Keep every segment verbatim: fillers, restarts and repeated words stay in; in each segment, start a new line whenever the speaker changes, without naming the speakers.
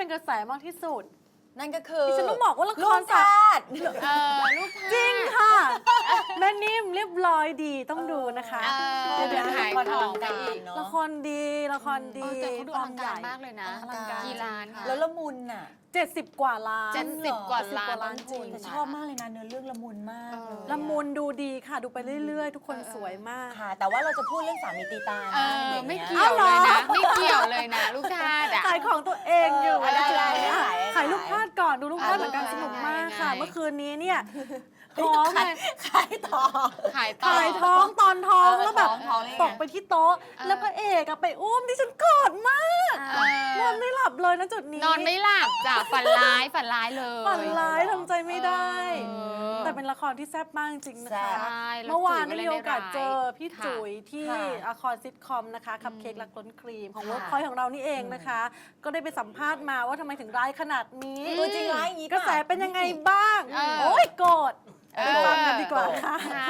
เป็นกระแสมากที่สุด
นั่นก็คือ
ดิฉันต้องบอกว่าละค
ลู
ร
ก
สา
ทาส
เออลูกทาส
จริงค่ะแม่นิ่มเรียบร้อยดีต้องดูนะคะ
เออ
เดี๋ยวเดี๋ยว
ขาย
ละคร
ข
อ
อ
ลั
ง
งการอีกเนาะ
ละครดีละคร
เอ
ดี
อแต่เขาดูอลังการมากเลยนะ
อลังการ
กี่ล้านคะ
แล้วละมุนน่ะ
เจ็ดสิบกว่าล้าน
เจ็ดสิบกว่า
เจ็ดสิบ
ล้าน
กว่าล้าน
ต้นทุน
จริง
แต่ชอบมากเลยนะเนื้อเรื่องละมุนมากเลย
ละมุนดูดีค่ะดูไปเรื่อยๆ ทุกคนสวยมาก
ค่ะ แต่ว่าเราจะพูดเรื่องสามีตีตา
เอ
นะ
อ
ดี๋ยว
ไม่
นี้
เกี่ยวเลยนะไม่เกี่ยวเลยนะ ลูกทาสอะ
ขายของตัวเองอยู่
เออได้ได้
อ่ะ
ขาย
ขายลูกพาดก่อนดูลูกพาด
อ่ะ
เหมือนกัน
ได้
สนุกมาก
ได้
ค่ะ
ได้
เมื่อคืนนี้เนี่ย
เฮ้ย
ท้อง
ขา
ไง
ยขายต่อ
ขายต่อ
ขายท้องตอนท้อง
เออ
แล้วแบบ
ท้องท้องได้ไง
ตกไปที่โต๊ะ
เออ
แล้วพระเอกอะไปอุ้มที่ฉันกอดมาก
เออน
อนไม่หลับเลยนะจุดนี้
นอนไม่หลับจ้ะฝันร้ายฝันร้ายเลย
ฝันร้ายทำใจไม่ได้
เออ
แต่เป็นละครที่แซ่บมากจริงๆนะ
แซ่
คะ
บ
ใช่แล้ว
เมื่อวาน
จุ๋
ได้
ยก็
มี
เล่น
โอกาส
ได้
เจอพี่
ค่ะ
จุ๋ยที่
ค่ะ
ละครซิทคอมนะคะคัพเค้กรักล้นครีมของ
ค่ะ
เวิร์กพอยต์ของเรานี่เองนะคะ ก็ได้ไปสัมภาษณ์มาว่าทำไมถึงร้ายขนาดนี้
ตัวจริงร้ายอย่างนี้
กระแสเป็นยังไงบ้าง
เออ
โอ้ยโกรธ
เอ
ไป
อ
ฟังกันดีกว่าค่ะ
ค่ะ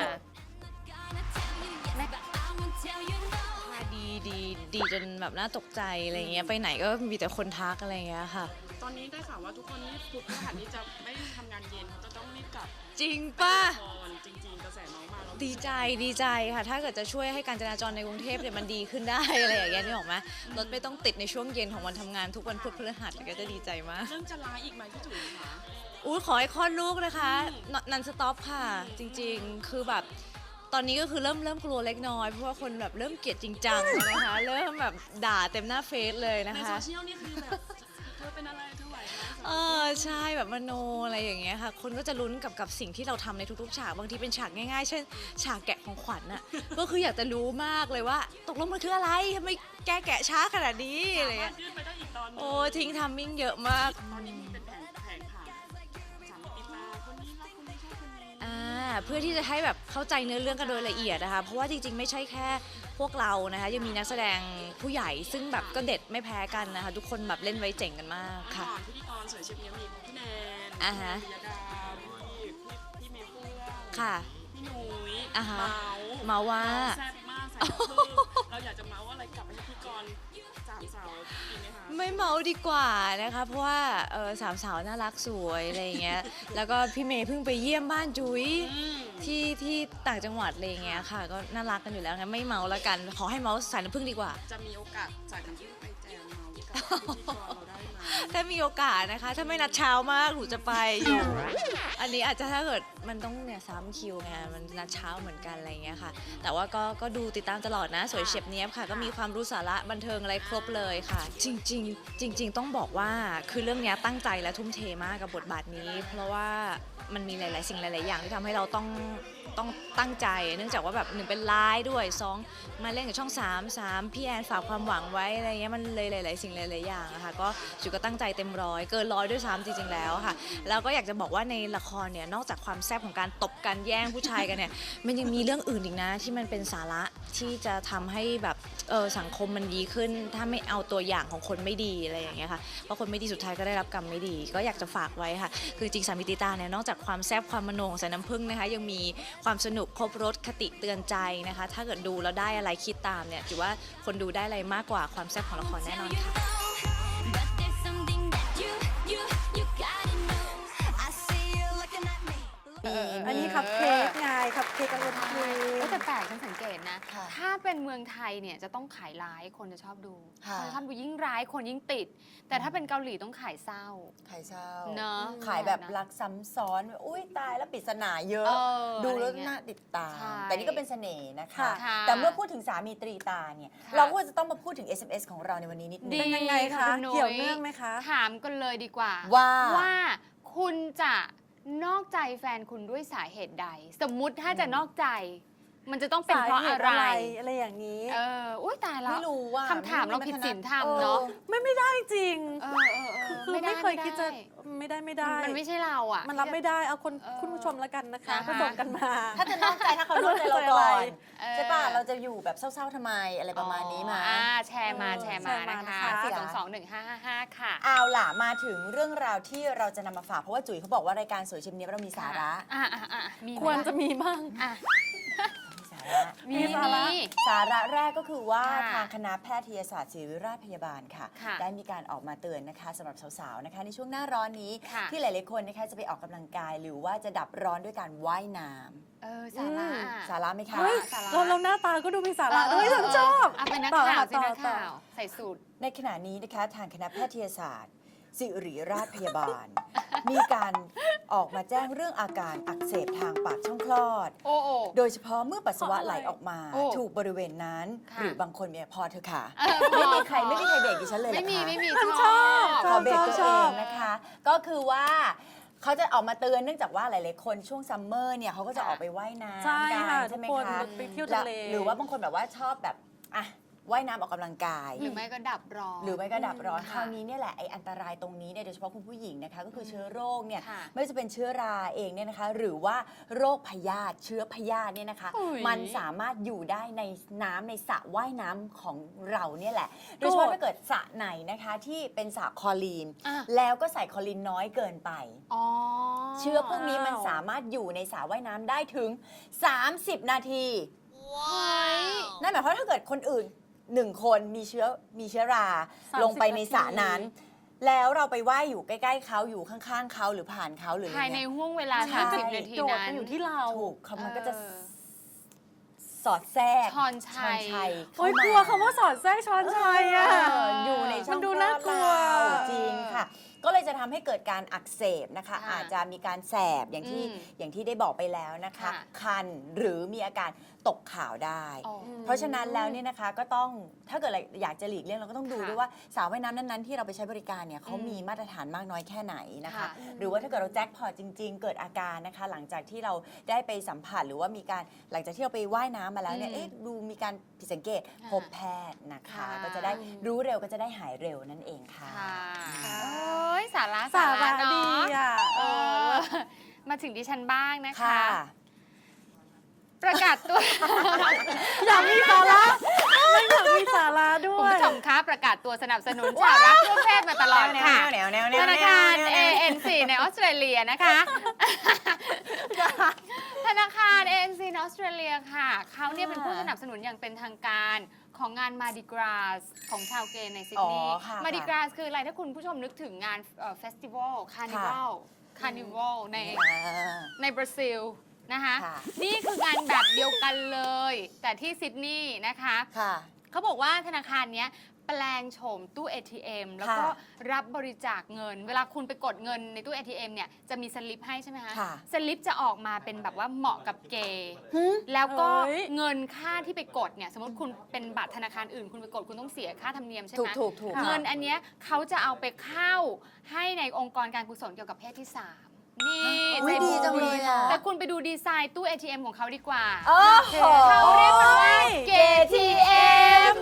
ดีดีดีจนแบบน่าตกใจอะไรเงี้ยไปไหนก็มีแต่คนทักอะไรเงี้ยค่ะ
ตอนนี้ได้ข่าวว่าทุกคนนี่พุธพฤหัสนี้จะไม่ทำงานเย็นเขาจะต้องรีบกลับ
จริงป่ะ
นอนจริง ๆ กระแสน้องมาแล้ว
ดีใจดีใจค่ะ ถ้าเกิดจะช่วยให้การจราจรในกรุงเทพเนี่ยมันดีขึ้นได้ อะไรอย่างเงี้ยนึกออกไหมรถไม่ต้องติดในช่วงเย็นของวันทำงานทุกวันพุธพฤหัสก็จะดีใจมาก
เริ่มจะร้ายอีกไหมพี่จุ๋ยคะ
อุ้ยขอให้คลอดลูกนะคะนันสต็อปค่ะ จริงๆ คือแบบตอนนี้ก็คือเริ่มเริ่มกลัวเล็กน้อยเพราะว่าคนแบบเริ่มเกลียดจริงจังแล้วนะคะ เริ่มแบบด่าเต็มหน้าเฟซเลยนะ
ใน
คะ
โซเชียลนี่คือแบบเธอเป็นอะไรเธอไหวไหม
เออใช่แบบมโนอะไรอย่างเงี้ยค่ะ คนก็จะลุ้นกับกับสิ่งที่เราทำในทุกๆฉากบางทีเป็นฉากง่ายๆ เช่น ฉากแกะของขวัญน่ะ ก็คืออยากจะรู้มากเลยว่า ตกลงมันคืออะไรทำไมแกแกะช้าขนาดนี้อะไร
สามาร
เงี้
ถ
ย
ยื่นไปได้อีกตอนหนึง
โอ้ทิ้งทัมมิ่งเยอะมาก
ตอนนี้มีเป็นแผงแผงผังสามีติดตาคนนี้รักคนนี้ชอบคนนี้
อ่าเพื่อที่จะให้แบบเข้าใจเนื้อเรื่องกันโดยละเอียดนะคะ เพราะว่าจริงๆ ไม่ใช่แค่พวกเรานะคะยังมีนักแสดงผู้ใหญ่ซึ่งแบบก็เด็ดไม่แพ้กันนะคะ ทุกคนแบบเล่นไว้เจ๋งกันมากค่ะ
ก่อนพิธีกรสวยเชียบเนี้ยมีพี่แนน
อ่าฮะ
พี่ยดาพี่พี่พี่เมย์เฟื่อง
ค่ะ
พี่นุ้ย
อ่าฮะ
เมาส์
เมาว่า
แซ่บมากใส่ลูกครึ่งเราอยากจะเมาส์อะไรกลับไปที่พิธีกรสามสาวดีไหมคะ
ไม่เมาดีกว่านะคะเพราะว่าเออสามสาวน่ารักสวยอะไรอย่างเงี้ย แล้วก็พี่เมย์เพิ่งไปเยี่ยมบ้านจุ๋ย
อืม
ที่ที่ต่างจังหวัดอะไรอย่างเงี้ยค่ะ ก็น่ารักกันอยู่แล้วงั้นไม่เมาแล้วกัน ขอให้เมาสายน้ำผึ้งดีกว่า
จะมีโอกาสจ่ายน้ำผึ้งไปแจมเมาส์กับพิธีกรเราได้ไหม
ถ้ามีโอกาสนะคะ ถ้าไม่นัดเช้ามากหนูจะไปอยู่ อันนี้อาจจะถ้าเกิดมันต้องเนี่ยซ้ำคิวไงมันนัดเช้าเหมือนกันอะไรอย่างเงี้ยค่ะ แต่ว่าก็ก็ดูติดตามตลอดนะสวยเฉียบเนี้ยบค่ะ ก็มีความรู้สาระบันเทิงอะไรครบเลยค่ะ จริง ๆ จริง ๆ ต้องบอกว่าคือเรื่องเนี้ยตั้งใจและทุ่มเทมากกับบทบาทนี้ เพราะว่ามันมีหลาย ๆ สิ่งหลาย ๆ อย่างที่ทำให้เราต้องต้องตั้งใจ เนื่องจากว่าแบบหนึ่งเป็นไลฟ์ด้วยสองมาเล่นกับช่องสามสามพี่แอนฝากความหวังไว้อะไรเงี้ยมันเลยหลาย ๆ สิ่งหลาย ๆ อย่างอะค่ะก็จุก็ตั้งใจเต็มร้อยเกินร้อยด้วยซ้ำจริง ๆ แล้วค่ะแล้วก็อยากจะบอกว่าในละครเนี่ยนอกจากความแซ่บของการตบกันแย่งผู้ชายกันเนี่ยมันยังมีเรื่องอื่นอีกนะที่มันเป็นสาระที่จะทำให้แบบเออสังคมมันดีขึ้น ถ้าไม่เอาตัวอย่างของคนไม่ดีอะไรอย่างเงี้ยค่ะเพราะคนไม่ดีสุดท้ายก็ได้รับกรรมไม่ดี ก็อยากจะฝากไว้ค่ะคือจริงสามีติตาเนี่ยนอกจากความแซ่บความมโนของสายน้ำผึ้งนะคะยังมีความสนุกครบรสคติเตือนใจนะคะ ถ้าเกิดดูแล้วได้อะไรคิดตามเนี่ยถือว่าคนดูได้อะไรมากกว่าความแซ่บของละครแน่นอนค่ะ
อันนี้คัพเค้กไงคัพเค้กรักล้นครีม
เออแต่แปลกฉันสังเกตนะ
ค่ะ
ถ้าเป็นเมืองไทยเนี่ยจะต้องขายร้ายคนจะชอบดู
ค่ะ
คนจะชอบดูยิ่งร้ายคนยิ่งติด แต่ถ้าเป็นเกาหลีต้องขายเศร้า
ขายเช่า
เนอะ
ขายแบบรักซ้ำซ้อนอุ้ยตายแล้วปริศนาเยอะ
เออ
ดูแล้ว
อะไรเงี้ย
น่าติดตาม
ใช่
แต่นี่ก็เป็นเสน่ห์นะคะ
ค่ะ
แต่เมื่อพูดถึงสามีตรีตาเนี่ย
ค่ะ
เราก็จะต้องมาพูดถึง เอส เอ็ม เอส ของเราในวันนี้นิดนึ
ดี
ง
เป็นยังไงคะ
ณนุ้
เกี่ยวเนื่องไหมคะ
ถามกันเลยดีกว่า
ว่า
ว่าคุณจะนอกใจแฟนคุณด้วยสาเหตุใด สมมุติถ้าจะนอกใจ มันจะต้องเป็นเพราะอะไร
อะไรอย่างนี้
เอออุ้ยตายแล้ว
ไม่รู้ว่า
คำถามเราผิดศีลธรรม
ออ
เนาะ
ไม่ไม่ได้จริง
เออเออเออ
คือ
ด้
ไม่เคยคิดจะ
ไ
ไม่ได้ไม่ได้
มันไม่ใช่เราอ่ะ
มันรับไม่ได้เอาคน
เออ
คุณผู้ชมแล้วกันนะคะ
นะคะ
ก็ส่งกันมา
ถ้าจะนอกใจถ้าเขานอกใจเราก่อน
เออ
ใช่ป่ะเราจะอยู่แบบเศร้าๆทำไมอะไรประมาณนี้มา
อ่าแชร์มา
เออ
แชร์
แช
มา
ร์มา
นะคะ
นะคะ
สี่สองสองหนึ่งห้าห้าห้าค่ะ
เอาล่ะมาถึงเรื่องราวที่เราจะนำมาฝากเพราะว่าจุ๋ยเขาบอกว่ารายการสวยชิมเนี้ยเรามีสาระ
อ่าอ่าอ่ามีไหม
ควรจะมีบ้าง
อ่ะ
มีสารระ
มี
มีสาระ
มี
สาระแรกก็คือว่า
ค่ะ
ทางคณะแพทยศาสตร์ศิริราชพยาบาลค่ะ
ค่ะ
ได้มีการออกมาเตือนนะคะสำหรับสาวๆนะคะในช่วงหน้าร้อนนี้
ค่ะ
ที่หลายๆคนนะคะจะไปออกกำลังกาย หรือว่าจะดับร้อนด้วยการว่ายน้ำ
เออสาระ
อืม
อะ
สาระไหมคะ
เฮ้ย
สาระ
เราเราหน้าตาก็ดูมีสาระ
เออ
ด้วยฉันชอบ
อ่ะเป็นนัก
ต่อ
ข่าว
ค่ะ
สินัก
ต่อ
ข่าวใส่สูตร
ในขณะนี้นะคะทางคณะแพทยศาสตร์ศิริราชพยาบาล มีการออกมาแจ้งเรื่องอาการอักเสบทางปากช่องคลอด
โอ้โอ้
โดยเฉพาะเมื่อปัสสาวะไหลออกมา
โอ้
ถูกบริเวณนั้น
ค่ะ
หรือบางคนเนี่ยพอเธอะค่ะ
เออ
ไม่มีใครไม่มีใครเบรกดิฉันเลยเหร
ไม่
อ
มี
คะ
ไม่มี
ฉันชอบ
ขอเบรกตัว
ช
เอ
อบ
งนะคะ ก็คือว่าเขาจะออกมาเตือนเนื่องจากว่าหลายๆคนช่วงซัมเมอร์เนี่ยเขาก็จะออกไปว่ายน้ำ
ใช่
กั
ค่ะ
ใช่ไหม
ทุกคน
คะ
ไปเที่ยว
แล้
ทะเล
หรือว่าบางคนแบบว่าชอบแบบอ่ะว่ายน้ำออกกำลังกาย
หรือไม่ก็ดับร้อน
หรือไม่ก็ดับร้อน
ค่ะ
คราวนี้เนี่ยแหละไออันตรายตรงนี้เนี่ยโดยเฉพาะคุณผู้หญิงนะคะก็คือเชื้อโรคเนี่ย
ค่ะ
ไม่ว่าจะเป็นเชื้อราเองเนี่ยนะคะ หรือว่าโรคพยาธิเชื้อพยาธิเนี่ยนะคะ
อุ๊ย
มันสามารถอยู่ได้ในน้ำในสระว่ายน้ำของเราเนี่ยแหละโดยเฉพาะถ้าเกิดสระไหนนะคะที่เป็นสระคลอรีน
อ่ะ
แล้วก็ใส่คลอรีนน้อยเกินไป
อ๋อ
เชื้อพวกนี้มันสามารถอยู่ในสระว่ายน้ำได้ถึง สามสิบ นาที
เฮ้ย
นั่นหมายความว่าถ้าเกิดคนอื่นหนึ่งคนมีเชื้อมีเชื้อรา
สามสิบ
ลงไปในสระ
นาที
นั้น แล้วเราไปว่ายอยู่ใกล้ๆเขาอยู่ข้างๆเขาหรือผ่านเขาหรืออะไร
ภายใน
เงี้ย
ห่วงเวลา
ใช่
สามสิบนาที
โจทย์
นั้
มัน
น
อยู่ที่เรา
ถูกเขามันก็จะ
เออ
สอดแทรก
ช้อนชัย
ช้ย
โอ้ย
เข้
กลัวคำว่าสอดแทรกช้อนชัยอ่ะ
เอออยู่ในช่อง
มันดู
คลอ
น่ากลัว
เราจริงค่ะ ก็เลยจะทำให้เกิดการอักเสบนะคะ
ค่ะ
อาจจะมีการแสบอย่างที่
อืม
อย่างที่ได้บอกไปแล้วนะคะ
ค่ะ
คันหรือมีอาการตกขาวได้
อ๋อ
เพราะฉะนั้นแล้วเนี่ยนะคะก็ต้องถ้าเกิดเราอยากจะหลีกเลี่ยงเราก็ต้องดู
ค่ะ
ด้วยว่าสาวว่ายน้ำนั้นๆที่เราไปใช้บริการเนี่ยเขา
อืม
มีมาตรฐานมากน้อยแค่ไหนนะคะ
ค่ะ
หรือว่าถ้าเกิดเราแจ็คพอตจริง ๆ เกิดอาการนะคะ หลังจากที่เราได้ไปสัมผัสหรือว่ามีการหลังจากที่เราไปว่ายน้ำมาแล้วเนี่ย
อืม
เอ๊ะดูมีการผิดสังเกต
ค่ะ
พบแพทย์นะคะ
ค่ะ
ก็จะได้รู้เร็วก็จะได้หายเร็วนั่นเองค่ะ
ค่ะ
ค่ะ
โอ้ยสาระ
สาระ
เนาะ
ดีอ่ะ
เออมาถึงดิฉันบ้างนะคะ
ค่ะ
ประกาศตัว
อยากมีสาระไม่อยากมีสาระด้
คุ
ว
ณ
ย
ผู้ชมคะประกาศตัวสนับสนุนชาวรักทั่วเพศมาตลอดค่ะ
แนวแนวแนวแนว
ธนาคาร
แนว
เอ
แนว
เอ็นซี ในออสเตรเลียนะคะ ธนาคาร เอ เอ็น ซี ในออสเตรเลียค่ะ เขาเนี่ยเป็นผู้สนับสนุนอย่างเป็นทางการของงานมาดิกราสของชาวเกย์ในซิดนีย์
อ๋อค่ะ
มาดิกราสคืออะไรถ้าคุณผู้ชมนึกถึงงานเฟสติวัลคาร์นิวัลคาร์นิวัลใน
อ่า
ในบราซิลนะคะ
ค่ะ
นี่คืองานแบบเดียวกันเลย แต่ที่ซิดนีย์นะคะ
ค่ะ
เขาบอกว่าธนาคารเนี้ยแปลงโฉมตู้ เอ ที เอ็ม แล้วก็
ค่ะ
รับบริจาคเงิน เวลาคุณไปกดเงินในตู้ เอ ที เอ็ม เนี่ยจะมีสลิปให้ใช่ไหมคะ
ค่ะ
สลิปจะออกมาเป็นแบบว่าเหมาะกับเกย์แล้วก็
เฮ้ย
เงินค่าที่ไปกดเนี่ยสมมติคุณเป็นบัตรธนาคารอื่น คุณไปกดคุณต้องเสียค่าธรรมเนียมใช่ไห
ถู
ม
กถูกถูก
เงินอันเนี้ยเขาจะเอาไปเข้าให้ในองค์กรการกุศลเกี่ยวกับเพศที่สามนี่
อุ๊ย
ใจ
ดีจังเลยอะ
แต่คุณไปดูดีไซน์ตู้ เอ ที เอ็ม ของเขาดีกว่า
โอ้โห
เขาเรียกมันว่าเกทีเอ็ม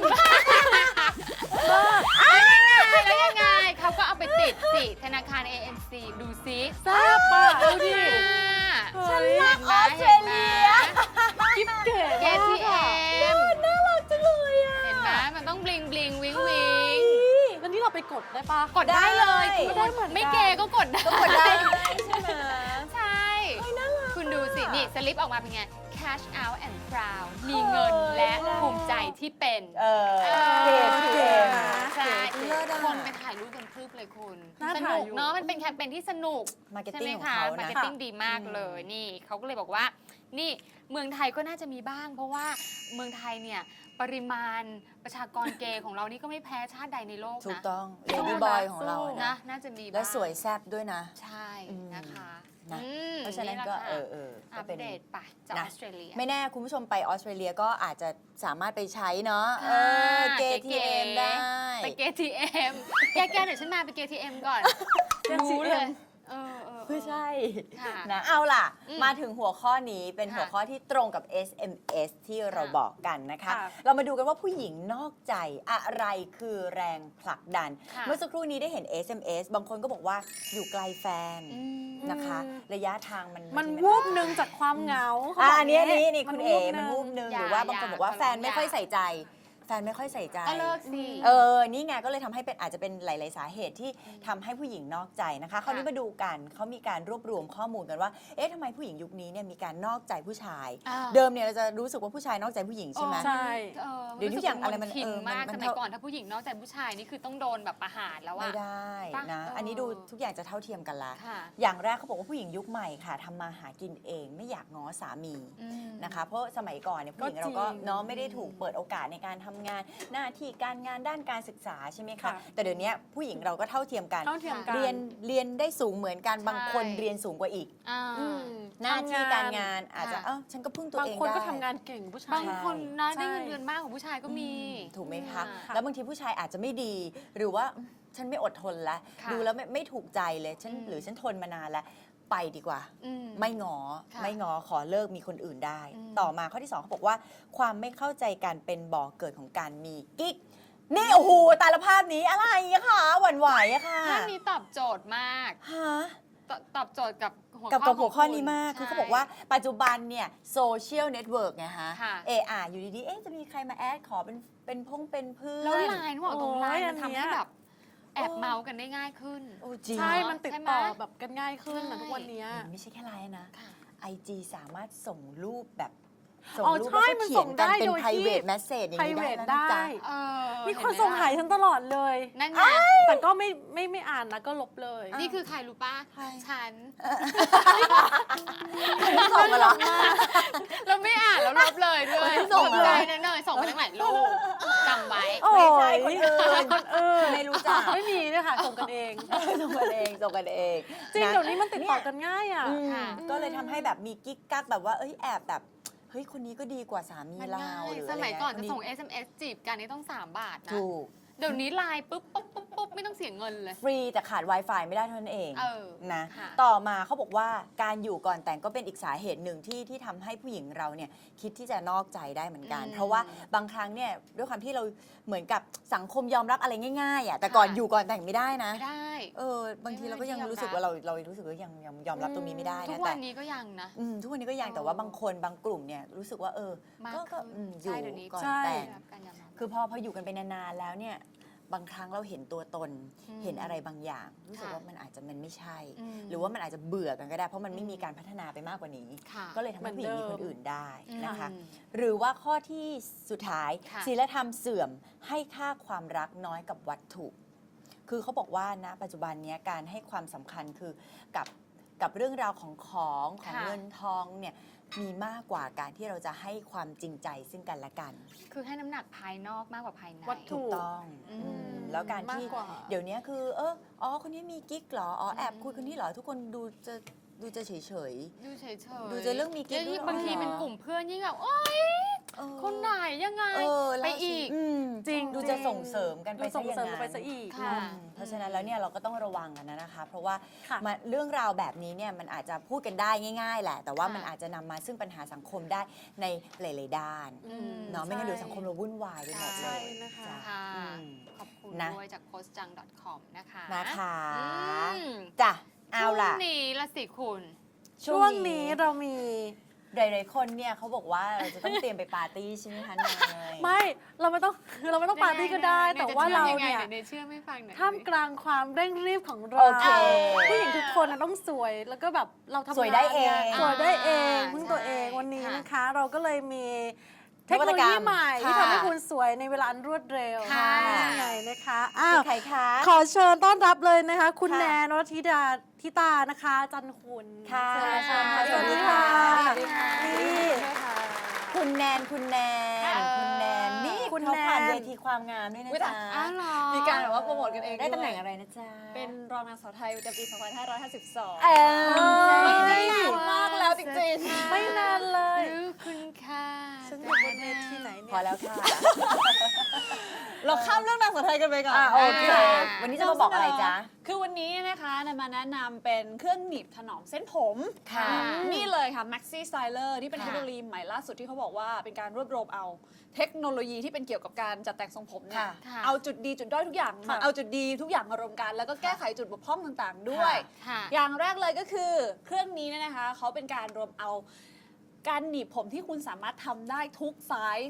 แล้วยังไงเขาก็เอาไปติดสิธนาคาร เอ เอ็น ซี ดูซิ
ทราบป่ะดูดิ
ฉัน
เฮ้ย
รักออสเตรเลีย
กิ๊บเก๋
เกทีเอ็ม
น่ารักจังเลยอ่ะ
เห็นไหมมันต้องบลิงบลิงวิงวิง
แล้วนี่เราไปกดได้ปะ
กดได้เลย
ได้
คุณ
ได้เหมือนกัน
ไม่เกย์ก็กดได้
กดได้ใช่ไหม
ใช่ คุณดูสิ นี่สลิปออกมาเป็นไง cash out and proud มีเงินและภูมิใจที่เป็น
เออ
เออ
เก๋เก๋
ใช่
เลิศอะ
คนไปถ่ายรูปกันพรึบเลยคุณ
น่า
ส
ถ่า
นุ
ย
ก
อยู่
เนาะ มันเป็นแคมเปญที่สนุก
มาร์เก็ต
ใช่
ติ้
ไห
ง
ม
ของ
คะ
เขา
มาร์
นะ
เก็ตติ้งดีมากเลย นี่เขาก็เลยบอกว่า นี่เมืองไทยก็น่าจะมีบ้าง เพราะว่าเมืองไทยเนี่ย ปริมาณประชากรเกย์ของเรานี่ก็ไม่แพ้ชาติใดในโลก
ถูก
นะ
ต้องเลดี้บอยของเรา
นะ
นะ
น่าจะมีบ้าง
และสวยแซ่บด้วยนะ
ใช่
อืม
นะคะ
นะ
อืม
เพราะฉะนั้นก็
แหล
เอ
ค่
อเออ
อั
ก็
ป
เป็น
เดตไปจากอ
นะ
อสเตรเลีย
ไม่แน่คุณผู้ชมไปออสเตรเลียก็อาจจะสามารถไปใช้เนาะเอ
ค่ะ
อเก
เก๋
ที
ๆ
เอ็มได้
ไปเกทีเอ็มแกแกเดี๋ยวฉันมาไปเกทีเอ็มก่อน รู้เลย เออเออเออ
ไม่ใช่
ค่ะ
นะเอาล่ะ
อืม
มาถึงหัวข้อนี้เป็น
ค่ะ
หัวข้อที่ตรงกับ เอส เอ็ม เอส ที่เรา
ค่ะ
บอกกันนะคะ
ค่ะ
เรามาดูกันว่าผู้หญิงนอกใจอะไรคือแรงผลักดัน
ค่ะ
เมื่อสักครู่นี้ได้เห็น เอส เอ็ม เอส บางคนก็บอกว่าอยู่ไกลแฟน
อืม
นะคะ ระยะทางมัน
มัน
บางที
วูบหนึ่งจากความเหงาเขา
อ่ะ
บก
อันนี้อันนี้นี่
มั
คุณ
วู
เอ๋
บห
มัน
ง
วูบหนึ่ง
อย่า
หรือว่าบางคน
อย่า
บอกว่า
ขอร้อง
แฟนไม่ค่อย
อย่า
ใส่ใจแฟนไม่ค่อยใส่ใจ
ก็เลิกสิ
เออ นี่ไงก็เลยทำให้เป็นอาจจะเป็นหลาย ๆ สาเหตุที่ทำให้ผู้หญิงนอกใจนะคะคราวนี้มาดูกันเขามีการรวบรวมข้อมูลกันว่า เอ๊ะทำไมผู้หญิงยุคนี้เนี่ยมีการนอกใจผู้ชาย
อ่า
เดิมเนี่ยเราจะรู้สึกว่าผู้ชายนอกใจผู้หญิงใช่ไหม
ใช่
เออ
เดี๋ยวนี้อย่างอะไรมัน
ทิน
เออมัน
มาก
มัน
สมัยก่อนถ้าผู้หญิงนอกใจผู้ชายนี่คือต้องโดนแบบประหารแล้ว
ไม่
อะ
ได้
ปะ
นะ
เอออั
อันนี้ดูทุกอย่างจะเท่าเทียมกันละ
ค่ะ
อย่างแรกเขาบอกว่าผู้หญิงยุคใหม่ค่ะทำมาหากินเองไม่อยากง้อสามี
อืม
นะคะเพราะสมัยก่อนเนี่ยผู้หญิง
ก็
เราก็
จริง
เนาะไม่ได้ถูกเปิดโอกาสในการทำงานหน้าที่การงานด้านการศึกษาใช่ไหมคะ
ค่ะ
แต่เดี๋ยวนี้ผู้หญิงเราก็เท่าเทียมกัน
เท่าเทียมกัน
เรียนเรียนได้สูงเหมือนกัน
ใช่
บางคนเรียนสูงกว่าอีก
อ่า
อืม
หน้าที่
ทำ
การงานอาจจะ
ค่ะ
เอ้าฉันก็พึ่งตัว
บาง
เอง
คน
ได้
ก็ทำงานเก่งผู้ชาย
บางคนนะ
ใช่
ได้เงินเดือนมากกว่าผู้ชายก็มี
ถูกไหมคะ
ค่ะ
แล้วบางทีผู้ชายอาจจะไม่ดี หรือว่าฉันไม่อดทนแล้ว
ค่ะ
ดูแล้วไม่ไม่ถูกใจเลยฉัน
อืม
หรือฉันทนมานานแล้วไปดีกว่า
อืม
ไม่งอ
ค่ะ
ไม่งอขอเลิกมีคนอื่นได้
อืม
ต่อมาข้อที่สองเขาบอกว่า ความไม่เข้าใจกันเป็นบ่อเกิดของการมีกิ๊กนี่โอ้โหตาละภาพนี้อะไรอะคะหวั่นไหวอะค่ะ
ภาพนี้ตอบโจทย์มาก
ฮะ
ตตอบโจทย์กับหัว
กับ
ข้
กั
อบ
หัวข้อ
ขงณ
นี้มาก คือ
ใช่
เขาบอกว่าปัจจุบันเนี่ยโซเชียลเน็ตเวิร์กไงฮะ
ค่ะ
เอออยู่ดีๆเอ๊ะจะมีใครมาแอดขอเป็นเป็นพงเป็นเพื่อน
แล้วไลน์บอกตรงไลน์
โอ้ย
มันทำ
อันเนี้
ให้
ย
แบบแอบเมากันได้ง่ายขึ้น
โอ้จริง
ใช่ มันติด
ใช่ไหม
ต่อแบบกันง่ายขึ้นนะ
ใช่
ทุกวันเนี้ย
ไม่ใช่แค่ไลน์นะ
ค่ะ
ไอจีสามารถส่งรูปแบบส่ง
อ๋อ
รูป
ใช่
แล้วก็
มัน
เขี
ส่
ยน
ง
กัน
ได้
เป็น
โดยที่
private message อย่างนี้ได้
private
แล้วนะจ๊ะ
ได้
เออ
มีคน
เห็
ส่ง
ไห
หายฉันตลอดเลย
นั่นไง
แต่ก็ไม่ไม่ไม่อ่านนะก็ลบเลย
นี่คือใครรู้ป่ะ
ใคร
ฉัน
ส่งมาเหรอ
เราไม่อ่านแล้วลบเลยด้วย
ไม่ส่ง
ขอบ
เหรอ
ใจนะเนยส่งมาตั้งหลายรูปจำไว้
โอ้
ไม่ใช่
ย
คนอื่น
คนอื่น
ไม่รู้จัก
ไม่มีด้วยค่ะส่งกันเอง
ส่งกันเองส่งกันเอง
จริง
ะ
เดี๋ยวนี้มันติดต่อกันง่ายอ่ะ
อืม
ค่ะ
ก็เลยทำให้แบบมีกิ๊กกักแบบว่าเอ้ยแอบแบบเฮ้ยคนนี้ก็ดีกว่าสามี
มัน
เรา
ง่าย
หรือ
ส
อะไร
มัยก่อนจะ
เงี้ย
ส่ง เอส เอ็ม เอส จีบกันนี่ต้องสามบาทนะ
ถูก
เดี๋ยวนี้ไลน์ปุ๊บปุ๊บปุ๊บปุ๊บไม่ต้องเสียเงินเลย
ฟรีแต่ขาด Wi-Fi ไม่ได้เท่านั้นเอง
เออ
นะ
ค่ะ
ต่อมาเขาบอกว่าการอยู่ก่อนแต่งก็เป็นอีกสาเหตุหนึ่งที่ที่ทำให้ผู้หญิงเราเนี่ยคิดที่จะนอกใจได้เหมือนกัน
อืม
เพราะว่าบางครั้งเนี่ยด้วยความที่เราเหมือนกับสังคมยอมรับอะไรง่ายๆอ่ะแต่ก่อน
ค่ะ
อยู่ก่อนแต่งไม่ได้นะ
ไม่ได้
เออบางทีเราก็ยัง
ไม่ได้
รู้สึกว่าเราเรารู้สึกว่ายังยังยอมรับตรงนี้ไม่ได้
ทุ
นะ
กวั
แต่
นนี้ก็ยังนะ
อืมทุกวันนี้ก็ยัง
เออ
แต่ว่าบางคนบางกลุ่มเนี่ยรู้สึกว่าเออ
มาก
ก็ก็
ขึ้น
อืมอ
ใช่
ยู่
เดี๋ยวนี้
ก่อน
ใช่
แต่ง
ได้รับการยอมรับ
คือพอพออยู่กันไปนานๆแล้วเนี่ยบางครั้งเราเห็นตัวตน
อืม
เห็นอะไรบางอย่าง รู้สึก
ค่ะ
ว่ามันอาจจะมันไม่ใช่
อืม
หรือว่ามันอาจจะเบื่อกันก็ได้ เพราะมันไม่
อืม
มีการพัฒนาไปมากกว่านี้
ค่ะ
ก็เลยทำให้ผู้หญิงมี
เหมื
ค
อน นเดิม
อื่นได้นะคะ
อืม
หรือว่าข้อที่สุดท้าย
ค่ะ
ศีลธรรมเสื่อมให้ค่าความรักน้อยกับวัตถุ คือเขาบอกว่านะปัจจุบันเนี้ยการให้ความสำคัญคือกับกับเรื่องราวของของของ
ค่ะ
เงินทองเนี่ยมีมากกว่าการที่เราจะให้ความจริงใจซึ่งกันและกัน
คือให้น้ำหนักภายนอกมากกว่าภายใน
วัตถุ
ถูกต้อง
อืม
อืมแล้วการที่
มากกว่า
เดี๋ยวนี้คือเอออ๋อคนนี้มีกิ๊กเหรออ๋อแอบ
อืม
คุยคนนี้เหรอทุกคนดูจะดูจะเฉยเฉย
ดูเฉยๆ
ดูจะเรื่องมีกิ๊ก
แล้วยิ่ง
ด้วย
บางที
อ๋อ
เป็นกลุ่มเพื่อนยิ่งแบบโอ๊ย
ๆเออ
คนไหนยังไง
เออแล้ว
ไปอีก
ม
จริง
ดูจะส่งเสริมกันไป
ดูส่ง
ซะอย่าง
เสริม
นั้น
ไปซะอีก
ค่ะ
อืมเพราะฉะนั้นแล้วเนี่ยเราก็ต้องระวังกันนะนะคะ เพราะว่า
ค่ะ
มาเรื่องราวแบบนี้เนี่ยมันอาจจะพูดกันได้ง่าย ๆ แหละ แต่ว่า
ค่ะ
มันอาจจะนำมาซึ่งปัญหาสังคมได้ในหลายๆด้าน
อืม
เนาะไม่งั้นเดี๋ยวสังคมเราวุ่นวายไปหมดเล
ใช่
ย
นะคะ
จ้
ค่ะ
อืม
ขอบคุณ
นะ
ด้วยจาก โพสต์จัง ดอท คอม นะคะ
นะคะ
อืม
จ้ะเอาล่ะ
ช่วงนี้ละสิคุณ
ช่วงนี้เรามี
หลายๆคนเนี่ยเขาบอกว่าเราจะต้องเตรียมไปปาร์ตี้ใช่ไหมคะเนย
ไม่เราไม่ต้องคือเราไม่ต้องปาร์ตี้ก็ได้ แต่ว่าเราเนี่ย
เนยเชื่อไม่ฟังหน่อย
ท่ามกลางความเร่งรีบของเรา
โอเค
ผู้หญิงทุกคนน่ะต้องสวยแล้วก็แบบเราทำงาน
สวยได้เอง
นี่ยสวยได้เอง
อ่า
พึ่งตัวเอง
ใช่
วันนี้
ค่ะ
นะคะ เราก็เลยมีเท
น
ค
วั
โน
ต
โล
กรร
ยี
ม
ใหม่ที่
ค่ะ
ทำให้คุณสวยในเวลาอันรวดเร็ว
ค่ะ
นี่ไงนะคะอ้าว
ใครคะ
ขอเชิญต้อนรับเลยนะคะ คุณ
ค่ะ
แนนวธิดาธิตานะคะ จันคุณ
ค่ะ
เชิญค่ะ
ส
ส
วั
วั
ส
ส
ดี
ดี
ค่ะ
ค่ะ
สวัสดีค่ะ
นี่
คุณแนนคุณแนน
เออ
คุณแนนนี่
คุณ
เขาผ่าน
แนน
เวทีความงามด้วยนะจ๊ะ
อ้าวเหรอ
มีการแบบว่าโปรโมทกันเอง
ได้ตำแหน่ง
วย
อะไรนะจ๊ะ
เป็นรองนางสาวไทยประจำปี สองพันห้าร้อยห้าสิบสอง
เออ
ไม่
ไม่
ได้
ได้
นาน
มากแล้วจริง
ไม่นานเลย
รู้คุณค่ะ
ฉันอยู่บนเวทีไหนเนี่ย
พอแล้วค่ะ
ๆ เราข้ามเรื่องนางสาวไทยกันไปก่อน
อ่ะโอเค
อ่า
วันนี้จะมาบอกอะไรจ๊ะ
คือวันนี้นะคะนำมาแนะนำเป็นเครื่องหนีบถนอมเส้นผม
ค่ะ
นี่เลยค่ะ Maxi Styler ที่เป็น
ค่ะ
เทคโนโลยีใหม่ล่าสุดที่เขาบอกว่าเป็นการรวบรวมเอาเทคโนโลยีที่เป็นเกี่ยวกับการจัดแต่งทรงผมเนี่ย
ค่ะ
ค่ะ
เอาจุดดีจุดด้อยทุกอย่างมา
ค่ะ
เอาจุดดีทุกอย่างมารวมกัน แล้วก็แก้ไขจุดบกพร่องต่างๆ ด้วย
ค่ะ
อย่างแรกเลยก็คือเครื่องนี้เนี่ยนะคะเขาเป็นการรวมเอาการหนีบผมที่คุณสามารถทำได้ทุกไซส์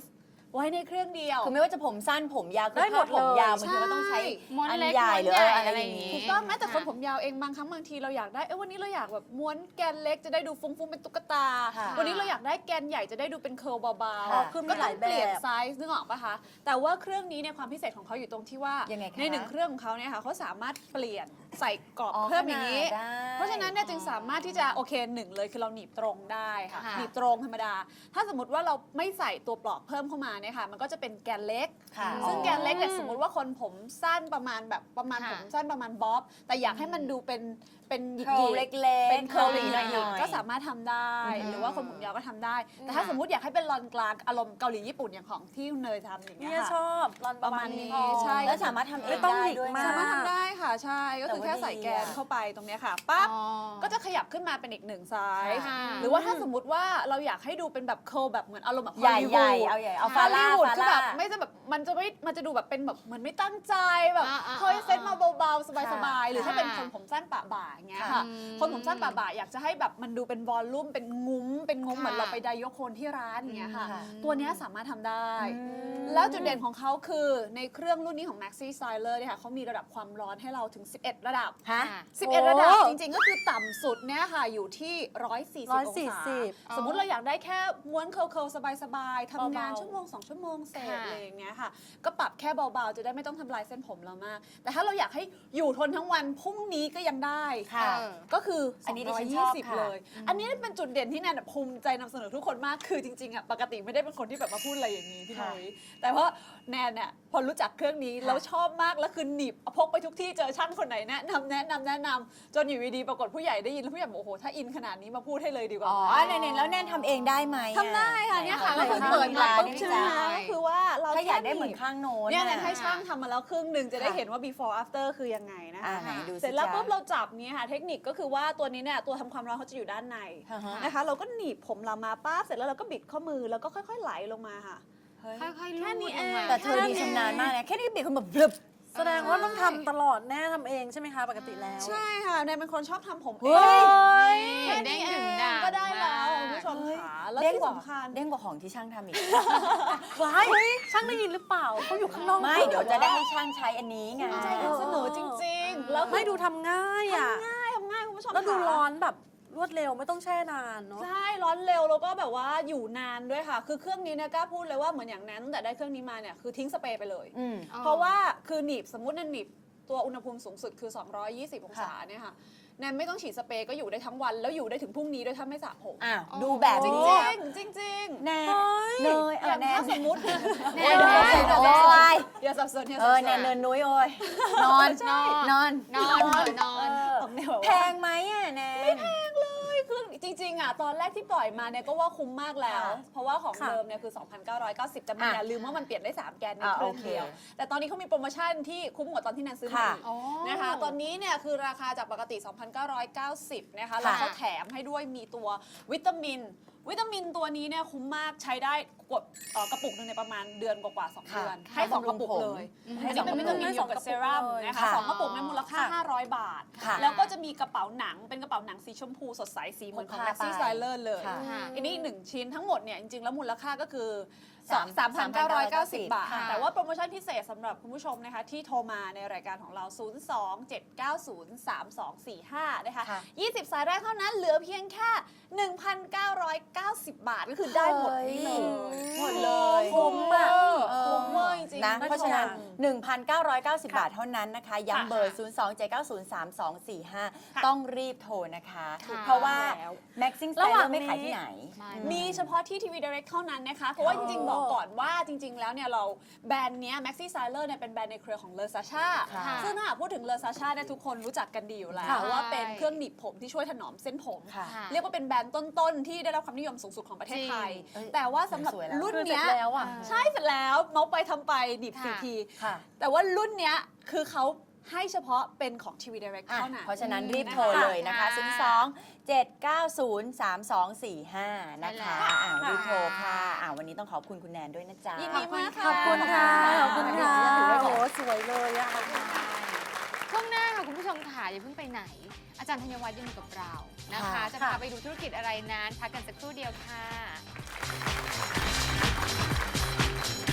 ไว้ในเครื่องเดียว
คือไม่ว่าจะผมสั้นผมยาวคือ
ได้หมด
ถ้าผมยาว
เลย
บางทีก็ต้องใช้
ม้วน
อัน
เล็ก
ใหญ่
ม้วน
หรือ
ใหญ่
อะไร
อะไร
อ
อย่าง
ย่าง
งี้
นี้
ถูกต้องแม้แต่คน
ค่ะ
ผมยาวเองบางครั้งบางทีเราอยากได้เอ้ยวันนี้เราอยากแบบม้วนแกนเล็กจะได้ดูฟุ้งๆเป็นตุ๊กตา
ค่ะ
วันนี้เราอยากได้แกนใหญ่จะได้ดูเป็นเคิร์ลเบา
ค่ะ
ๆ
คือมี
ก็
ห
ต้
ลา
อย ง
แบบ
เปลี่ยนไซส์นึกออกปะคะแต่ว่าเครื่องนี้เนี่ยความพิเศษของเขาอยู่ตรงที่ว่า
ยังไงคะ
ในหนึ่งเครื่องของเขาเนี่ยค่ะเขาสามารถเปลี่ยนใส่กรอบ
อ๋อ
เพิ่มอย่างนี้
ขนาดได้
เพราะฉะนั้นเนี่ยจึงสามารถที่จะโอเคหนึ่งเลยคือเราหนีบตรงได้ค่ะ
ค่ะ
หนีบตรงธรรมดา ถ้าสมมติว่าเราไม่ใส่ตัวปลอกเพิ่มเข้ามาเนี่ยค่ะมันก็จะเป็นแกนเล็ก
ค่ะ
ซึ่งแกนเล็กเนี่ยสมมติว่าคนผมสั้นประมาณแบบประมาณ
ค่ะ
ผมสั้นประมาณบ๊อบแต่อยากให้มันดูเป็นเป็นหยิก
เคิร์ล
ๆ
เล็กๆ
เป็นเคิร์ลห
หน่
น่
อ
อย
ย
ๆก็สามารถทำได้
อืม
หรือว่าคนผมยาวก็ทำได้ แต่ถ้าสมมติอยากให้เป็นลอนกลางอารมณ์เกาหลีญี่ปุ่นอย่างของที่คุณเนยทำอย่างเงี้
เนี่ย ยช
ค่ะ
อบรอนประมาณนี้
ประมาณนี้ใช่
แล้วสามารถทำเอ
ไม่
ง
ต้อง
ได้
หยิก
ด้วย
ม
นะ
สามารถทำได้ค่ะใช่ก็คือแค่ใส่แกนเข้าไปตรงเนี้ยค่ะปั๊บ
อ๋อ
ก็จะขยับขึ้นมาเป็นอีกหนึ่งไซส์
ค่ะ
หรือว่าถ้าสมมติว่าเราอยากให้ดูเป็นแบบเคิร์ลแบบเหมือนอารมณ์แบบ
ใหญ่
ฮอลลี
ใหญ่
วูด
เอาใหญ่เอา
ฟา
ฟา
ล่า
ล่า
วูด
ฟา
คือ
ล่า
แบบไม่จะแบบมันจะไม่มันจะดูแบบเป็นแบบเหมือนไม่ตั้งใจแบบ
อ่าอ่า
เฮ้ย
อ่า
เซ็ตมาเบาๆสบายๆหรือถ้าเป็น
ค่ะ
คนผมสั้นปะบ่าอย่างเงี้ย
ค่ะ
ค่ะ
อืม
คนผมสั้นปะบ่าอยากจะให้แบบมันดูเป็นวอลลุ่มเป็นงุ้มเป็นงุ้ม
ค่ะ
เหมือนเราไปไดโยโคนที่ร้านอย่างเงี้ยค่ะ
ค่ะ
ตัวเนี้ยสามารถทำได้
อืม
แล้วจุดเด่นของเขาคือในเครื่องรุ่นนี้ของ Maxi Styler เนี่ยค่ะเขามีระดับความร้อนให้เราถึง สิบเอ็ด ระดับ
ฮะ
ค่ะ
สิบเอ็ด
โอ้
ระดับจริงๆ ก็คือต่ำสุดเนี่ยค่ะอยู่ที่ หนึ่งร้อยสี่สิบ องศา
อ๋อ
สมมุติเราอยากได้แค่ม้วนเคิลๆสบายๆทำงาน
เบาๆ
ชั่วโมงสองชั่วโมงเสร็จ
ค่ะ
อะไรอย่างเงี้ยค่ะ ก็ปรับแค่เบาๆ จะได้ไม่ต้องทำลายเส้นผมเรามาก แต่ถ้าเราอยากให้อยู่ทนทั้งวันพรุ่งนี้ก็ยังได้
ค่ะ
เออ
ก็คือ
อันนี้ดิฉัน
ส
ช
อง
อบ
ร้อยยี่สิบ
ค่ะ
เลย อันนี้เป็นจุดเด่นที่แนนภูมิใจนำเสนอทุกคนมาก คือจริงๆอ่ะปกติไม่ได้เป็นคนที่แบบมาพูดอะไรอย่างนี้พี่นุ้ยแต่ว่าแนนเนี่ยพอรู้จักเครื่องนี้แล้วชอบมากแล้วคือหนีบพกไปทุกที่เจอช่างคนไหนแนะนำแนะนำแนะนำจนอยู่ดีๆปรากฏผู้ใหญ่ได้ยินแล้วผู้ใหญ่บอกโอ้โหถ้าอินขนาดนี้มาพูดให้เลยดีกว่า
อ๋อแนนๆแล้วแนนทำเองได้ไหมอะ
ทำได้ค่ะเนี่ยค่ะ
ไห
ก็คือเปิดมา
ร้าน
ปุ๊บ
นี่
ใช่ไหม
จ้ะ
คะก็คือว่าเรา
ถ้าอยากได้
แค่
เหมือนข้างโน้น
เนี่ยแน
น่ะ
นให้ช่างทำมาแล้วครึ่งหนึ่งจะได้
ค่ะ
เห็นว่า before after คือยังไงนะ
อ่า
คะ
ไหนดูสิ
เสร็จแล้ว
จ๊ะ
ปุ๊บเราจับเนี่ยค่ะเทคนิคก็คือว่าตัวนี้เนี่ยตัวทำความร้อนเขาจะอยู่ด้านใน
อ่าฮะ
นะคะเราก็หนีบผมเรามาป้าบเสร็จแล้วเราก็บิดข้อมือแล้วก็ค่อยๆไหลลงมาค่ะ
เฮ้ย
ค่อยๆ
แค่นี้
ลูดลงมา
เอง
แต่เธอดีชำนาญมากนะแค่นี้บิดคนแบบบลึบ
แสดงว่าต้องทำตลอดแน่ทำเองใช่ไหมคะปกติแล้ว
ใช่ค่ะแนนเป็นคนชอบทำผมเอ
เฮ้ย
งแค่นี้เองก็ได้แล้วคุณผู้ชมค่ะแล้ว
เด้ง
ที่
กว่า
สำคัญ
เด้งกว่าของที่ช่างทำอีก
ว้ายช่างได้ยินหรือเปล่าเขาอยู่ข้างนอก
ไม่เดี๋ยวจะได้ให้ช่างใช้อันนี้ไง
ใจนำเสนอจริงๆ แล้ว
ไม่ดูทำง่ายอ่ะ
ง่ายทำง่ายคุณผู้ชม
แล้วดู
ค่ะ
ร้อนแบบรวดเร็วไม่ต้องแช่นานเนาะ
ใช่ร้อนเร็วแล้วก็แบบว่าอยู่นานด้วยค่ะ คือเครื่องนี้เนี่ยกล้าพูดเลยว่าเหมือนอย่างแนนตั้งแต่ได้เครื่องนี้มาเนี่ยคือทิ้งสเปรย์ไปเลย
อืม
อ๋อ
เพราะว่าคือหนีบสมมุติแนนหนีบตัวอุณหภูมิสูงสุดคือ สองร้อยยี่สิบ องศาเนี่ยค่ะแนนไม่ต้องฉีดสเปรย์ก็อยู่ได้ทั้งวัน แล้วอยู่ได้ถึงพรุ่งนี้ด้วยถ้าไม่สระผม
อ่ะดูแบบ
จริง
นี้
จริงๆจริงๆ
แนน
เฮ้ย
เนย
อ
เออย่าง แน
ถ้าน สมมติ
แน
โอ้ย
น
เดี๋ยว
แนน
เดี๋ยวโอ้ย
อย่าสับสนอย่า
เอ
สับ
อ
สน
แนนเนินนุ้ยโอ้ยนอน
นอน
นอน
นอนเถอะนอน
ของแนวแบบว่า
แพงไหมอ่ะแนนไม่แพง
คือจริงๆอ่ะตอนแรกที่ปล่อยมาเนี่ยก็ว่าคุ้มมากแล้ว
ค่ะ
เพราะว่าของ
ค่ะ
เดิมเนี่ยคือ สองพันเก้าร้อยเก้าสิบ แต่มัน
อ่ะ
อย่าลืมว่ามันเปลี่ยนได้ สาม แกนใน
อ่ะ
เครื่อง
โอเค
เดียว แต่ตอนนี้เขามีโปรโมชั่นที่คุ้มกว่าตอนที่นันซื้อมา
ค่ะ
อีก
อ๋อ
นะคะตอนนี้เนี่ยคือราคาจากปกติ สองพันเก้าร้อยเก้าสิบ นะคะแล้วเขาแถมให้ด้วยมีตัววิตามิน วิตามินตัวนี้เนี่ยคุ้มมากใช้ได้กดเอ่อกระปุกหนึงในประมาณเดือนกว่าๆสอง
ค่ะ
เดือน
ค่ะ
ให้สองกระปุก
บำรุงผม
เลย
ให้
อัน
ส
นี้
อง
เป็น
กระ
วิ
ปุ
ตาก มินอยู่กับเซรั่มนะคะ
ค่ะ
สองกระปุกในมูลค่า
ค่ะ
ห้าร้อย บาท
ค่ะ
แล้วก็จะมีกระเป๋าหนังเป็นกระเป๋าหนังสีชมพูสดใสสีเหมือนของ
พก
Maxi
พาไป
Styler เลย
ค่ะ
ค่ะ
อันนี้อีกหนึ่งชิ้นทั้งหมดเนี่ยจริงๆ แล้วมูลค่าก็คือ
สาม
สามพันเก้าร้อยเก้าสิบ บาท
ค่ะ
แต่ว่าโปรโมชั่นพิเศษสำหรับคุณผู้ชมนะคะที่โทรมาในรายการของเรา ศูนย์ สอง เจ็ด เก้า ศูนย์ สาม สอง สี่ ห้า นะคะ
ค่ะ
ยี่สิบ สายแรกเท่านั้นเหลือเพียงแค่ หนึ่งพันเก้าร้อยเก้าสิบ บาทก็คือได้หมดนี่เลย หมดเลย
คุ้มอะ
คุ้มเวอร์จริงๆ
นะ
คุณ
เพ
ผู้ชม
ราะฉะนั้น หนึ่งพันเก้าร้อยเก้าสิบ
ค่ะ
บาทเท่านั้นนะคะ ย้ำเบอร์ ศูนย์ สอง เจ็ด เก้า ศูนย์ สาม สอง สี่ ห้า
ค่ะ
ต้องรีบโทรนะคะ
ค่ะ
เพราะว่า
แล้ว
Maxing
ระหว่า
Styler
ง
ไม่ขาย
นี้
ที่ไหน
ไม่
มีเฉพาะที่ทีวี Direct เท่านั้นนะคะ เพราะว่าจริงๆ บอกก่อนว่าจริง ๆ แล้วเนี่ยเราแบรนด์เนี้ย Maxi Styler เนี่ยเป็นแบรนด์ในเครือของ Le Sasha
ค่ะ
ซึ่งถ้าหากพูดถึง Le Sasha เนี่ยทุกคนรู้จักกันดีอยู่แล้ว
ค่ะ
ว่าเป็นเครื่องหนีบผมที่ช่วยถนอมเส้นผม
ค่ะ
ค่ะ
เรียกว่าเป็นแบรนด์ต้น ๆ ที่ได้รับความนิยมสูงสุดของประเทศไทย
จริงเอ้ย
แต่ว่าสำหรับ
สวยแล้ว
รุ่น
คือเสร็จ
เนี้ย
แล้วอ่ะ
ใช่เสร็จแล้วเมาส์ไปทำไปหนีบสี่
ค่ะ
ที
ค่ะ
แต่ว่ารุ่นเนี้ยคือเขาให้เฉพาะเป็นของทีวี Direct
อ่ะ
เท่านั้น
เพราะฉะนั้นรีบ
นะคะ
โทรเลยนะคะ
ค่ะ
ศูนย์ สอง เจ็ด เก้า ศูนย์ สาม สอง สี่ ห้า นะคะ
ใช่แล้ว
อ่ารีบโทรค่ะอ่าวันนี้ต้องขอบคุณคุณแนนด้วยนะจ๊ะ
ยินดีมากค่ะ
ขอบคุณค่ะ ขอบคุณค่ะ
ขอบคุณค่ะ
โอ้โหสวยเลยอะ
ช่วงหน้าค่ะคุณผู้ชมค่ะอย่าเพิ่งไปไหน อาจารย์ธัญวัฒน์ยังอยู่กับเรานะคะ
ค่ะ
จะพาไปดูธุรกิจอะไรนั้นพักกันสักครู่เดียวค่ะ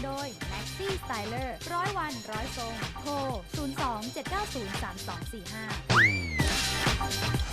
โดย Maxi Styler ร้อยวันร้อยทรง โทร ศูนย์ สอง เจ็ด เก้า ศูนย์ สาม สอง สี่ ห้า